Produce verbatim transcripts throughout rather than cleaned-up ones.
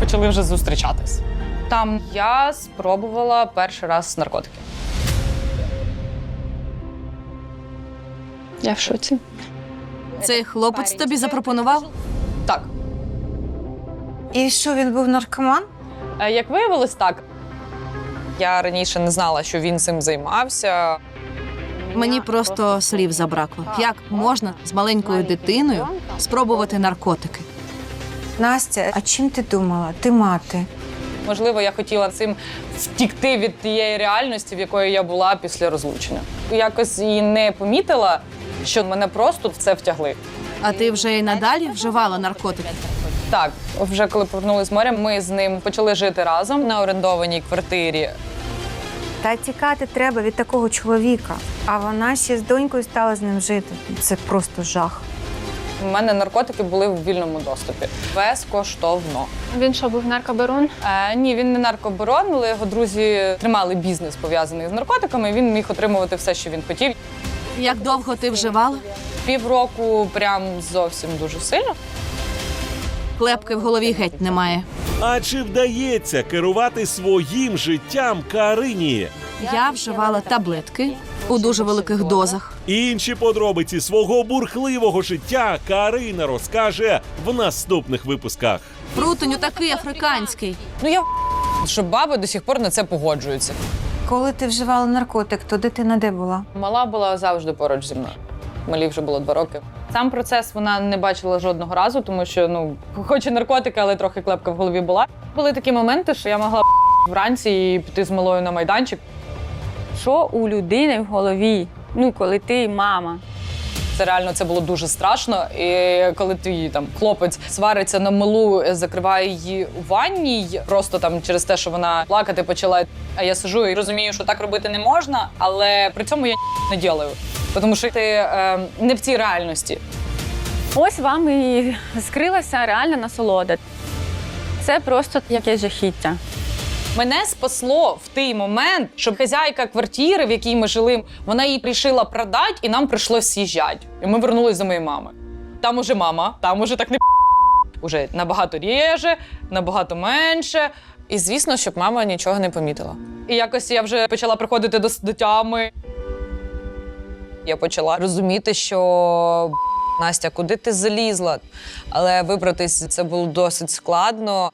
почали вже зустрічатись. Там я спробувала перший раз наркотики. Я в шоці. Цей хлопець тобі запропонував? Так. І що, він був наркоман? Е, Як виявилось, так. Я раніше не знала, що він цим займався. Мені просто слів забракло. Як можна з маленькою дитиною спробувати наркотики? Настя, а чим ти думала? Ти мати. Можливо, я хотіла цим втікти від тієї реальності, в якої я була після розлучення. Якось і не помітила, що мене просто в це втягли. А ти вже і надалі вживала наркотики? Так, вже коли повернулись з моря, ми з ним почали жити разом на орендованій квартирі. Та тікати треба від такого чоловіка. А вона ще з донькою стала з ним жити. Це просто жах. У мене наркотики були в вільному доступі. Безкоштовно. Він що, був наркобарон? Е, ні, він не наркобарон, але його друзі тримали бізнес, пов'язаний з наркотиками, і він міг отримувати все, що він хотів. Як довго ти вживала? Півроку прям зовсім дуже сильно. Клепки в голові геть немає. А чи вдається керувати своїм життям Карині? Я вживала таблетки у дуже великих дозах. Інші подробиці свого бурхливого життя Карина розкаже в наступних випусках. Прутонь такий африканський. Ну я що баби до сих пор на це погоджуються. Коли ти вживала наркотик, то дитина де була? Мала була завжди поруч зі мною. Малі вже було два роки. Сам процес вона не бачила жодного разу, тому що, ну, хоч і наркотики, але трохи клепка в голові була. Були такі моменти, що я могла вранці і піти з малою на майданчик. Що у людини в голові? Ну, коли ти мама. Це реально це було дуже страшно. І коли твій там хлопець свариться на малу, закриває її у ванній, просто там через те, що вона плакати почала. А я сижу і розумію, що так робити не можна, але при цьому я не ділаю. Тому що ти е, не в цій реальності. Ось вам і скрилася реальна насолода. Це просто якесь жахіття. Мене спасло в той момент, що хазяйка квартири, в якій ми жили, вона її рішила продати, і нам прийшлося з'їжджати. І ми вернулися до моєї мами. Там уже мама, там уже так не уже набагато ріже, набагато менше. І звісно, щоб мама нічого не помітила. І якось я вже почала приходити до, до тями. Я почала розуміти, що Настя, куди ти залізла? Але вибратись це було досить складно.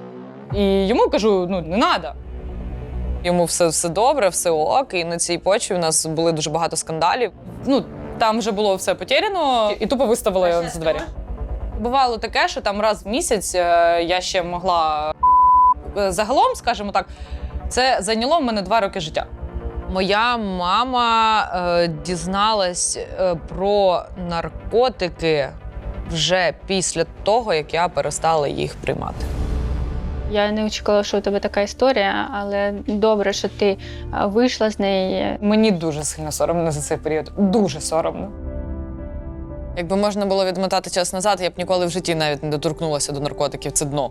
І йому кажу, ну, не треба. Йому все, все добре, все ок, і на цій почві у нас були дуже багато скандалів. Ну, там вже було все потеряно, і тупо виставила його за двері. Бувало таке, що там раз в місяць я ще могла... Загалом, скажімо так, це зайняло в мене два роки життя. Моя мама е, дізналась е, про наркотики вже після того, як я перестала їх приймати. Я не очікувала, що у тебе така історія, але добре, що ти вийшла з неї. Мені дуже сильно соромно за цей період. Дуже соромно. Якби можна було відмотати час назад, я б ніколи в житті навіть не доторкнулася до наркотиків. Це дно.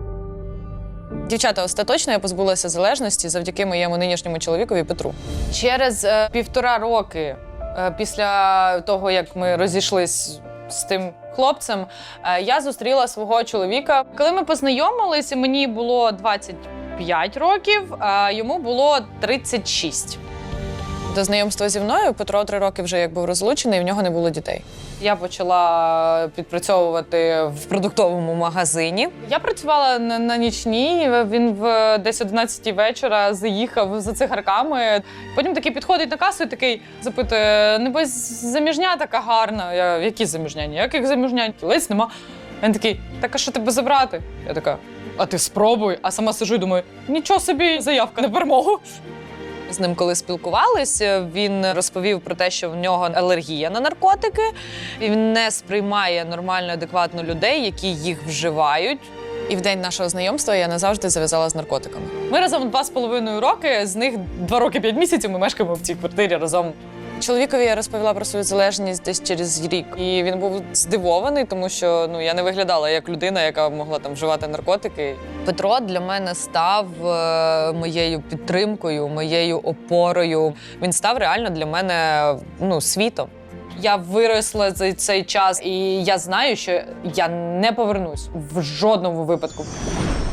Дівчата, остаточно я позбулася залежності завдяки моєму нинішньому чоловікові Петру. Через е, півтора роки е, після того, як ми розійшлись з тим хлопцем, е, я зустріла свого чоловіка. Коли ми познайомилися, мені було двадцять п'ять років, а йому було тридцять шість. До знайомства зі мною Петро три роки вже як був розлучений, і в нього не було дітей. Я почала підпрацьовувати в продуктовому магазині. Я працювала на, на нічній, він в десь одинадцятій вечора заїхав за цигарками. Потім такий підходить на касу і такий запитує, небось заміжня така гарна. Я, які заміжня? Ніяких заміжнянь, кілець нема. Він такий, так а що тебе забрати? Я така, а ти спробуй. А сама сижу і думаю, нічого собі, заявка на перемогу. З ним коли спілкувалися, він розповів про те, що в нього алергія на наркотики. Він не сприймає нормально, адекватно людей, які їх вживають. І в день нашого знайомства я назавжди зав'язала з наркотиками. Ми разом два з половиною роки, з них два роки п'ять місяців ми мешкаємо в цій квартирі разом. Чоловікові я розповіла про свою залежність десь через рік. І він був здивований, тому що ну, я не виглядала як людина, яка могла там вживати наркотики. Петро для мене став е, моєю підтримкою, моєю опорою. Він став реально для мене ну, світом. Я виросла за цей час, і я знаю, що я не повернусь в жодному випадку.